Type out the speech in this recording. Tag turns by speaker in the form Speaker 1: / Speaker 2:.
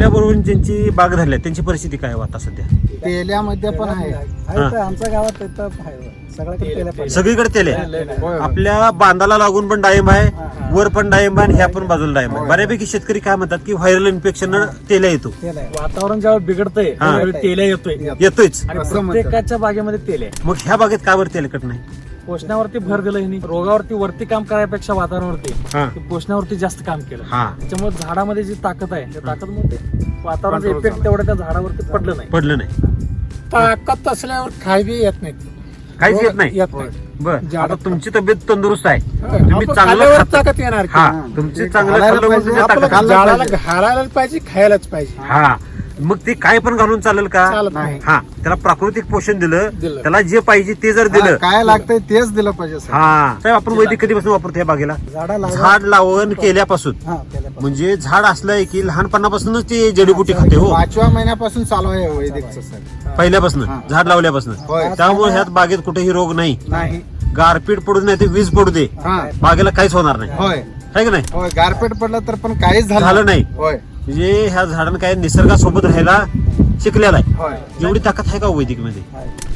Speaker 1: आपल्या बरोबर ज्यांची बाग धरल्या त्यांची परिस्थिती काय आहे आता सध्या?
Speaker 2: तेल्यामध्ये पण आहे.
Speaker 3: आमच्या गावात इथं आहे सगळ्याकडे तेल्या पाहिजे.
Speaker 1: सगळीकडे तेल आहे. आपल्या बांधाला लागून पण डाळिंब आहे, वर पण डाळिंब आहे, ह्या पण बाजूला डाळिंब आहे. बऱ्यापैकी शेतकरी काय म्हणतात की व्हायरल इन्फेक्शन तेल्या येतो.
Speaker 3: वातावरण ज्यावेळी बिघडतंय त्यावेळी तेल्या
Speaker 1: येतोच.
Speaker 3: आणि प्रत्येकाच्या बागेमध्ये तेल आहे.
Speaker 1: मग ह्या बागेत का बरं तेलकट नाही?
Speaker 3: पोषणावरती भर दिलं ह्यांनी. रोगावरती वरती काम करायपेक्षा
Speaker 1: हा.
Speaker 3: वातावरणावरती पोषणावरती जास्त काम केलं.
Speaker 1: हा
Speaker 3: त्याच्यामुळे झाडामध्ये जी ताकद आहे त्या ताकदमध्ये वातावरणाचा इफेक्ट तेवढं त्या झाडावरती पडलं
Speaker 1: पडलं नाही.
Speaker 2: ताकद असल्यावर खाय बी येत नाही.
Speaker 1: काहीच येत नाही.
Speaker 2: येत नाही.
Speaker 1: बर, आता तुमची तब्येत तंदुरुस्त आहे, तुम्ही
Speaker 2: आपण
Speaker 1: चांगलं
Speaker 2: खाल्ल्यावर
Speaker 1: खाता.
Speaker 2: ताकद येणार की.
Speaker 1: हा, तुमची चांगलं खाल्लं म्हणजे तुमच्या ताकद आहे.
Speaker 2: झाडाला घालायलाच पाहिजे, खायलाच पाहिजे.
Speaker 1: हा, मग ते काय पण घालून चालेल का?
Speaker 2: चालत नाही.
Speaker 1: हा, त्याला प्राकृतिक पोषण दिलं,
Speaker 2: दिलं.
Speaker 1: त्याला जे पाहिजे ते जर दिलं.
Speaker 2: काय लागतंय तेच दिलं पाहिजे.
Speaker 1: हा, साहेब आपण वैदिक कधीपासून वापरतो या बागेला? झाड लावण केल्यापासून. म्हणजे झाड असलंय की लहानपणापासूनच ते जडीबुटी खाते हो.
Speaker 2: 5व्या महिन्यापासून चालू आहे वैदिकचं सर.
Speaker 1: पहिल्यापासून झाड लावल्यापासून.
Speaker 2: होय.
Speaker 1: त्यामुळे ह्यात बागेत कुठेही रोग नाही.
Speaker 2: नाही.
Speaker 1: गारपीट पडू नाही ते वीज पडू दे,
Speaker 2: हा.
Speaker 1: बागेला काहीच होणार नाही.
Speaker 2: होय
Speaker 1: आहे की नाही?
Speaker 2: होय. गारपीट पडलं तर पण काहीच
Speaker 1: झालं नाही.
Speaker 2: होय
Speaker 1: म्हणजे ह्या झाडांना काय निसर्गासोबत राहायला शिकलेला आहे.
Speaker 2: होय.
Speaker 1: एवढी ताकद आहे का वैदिक मध्ये?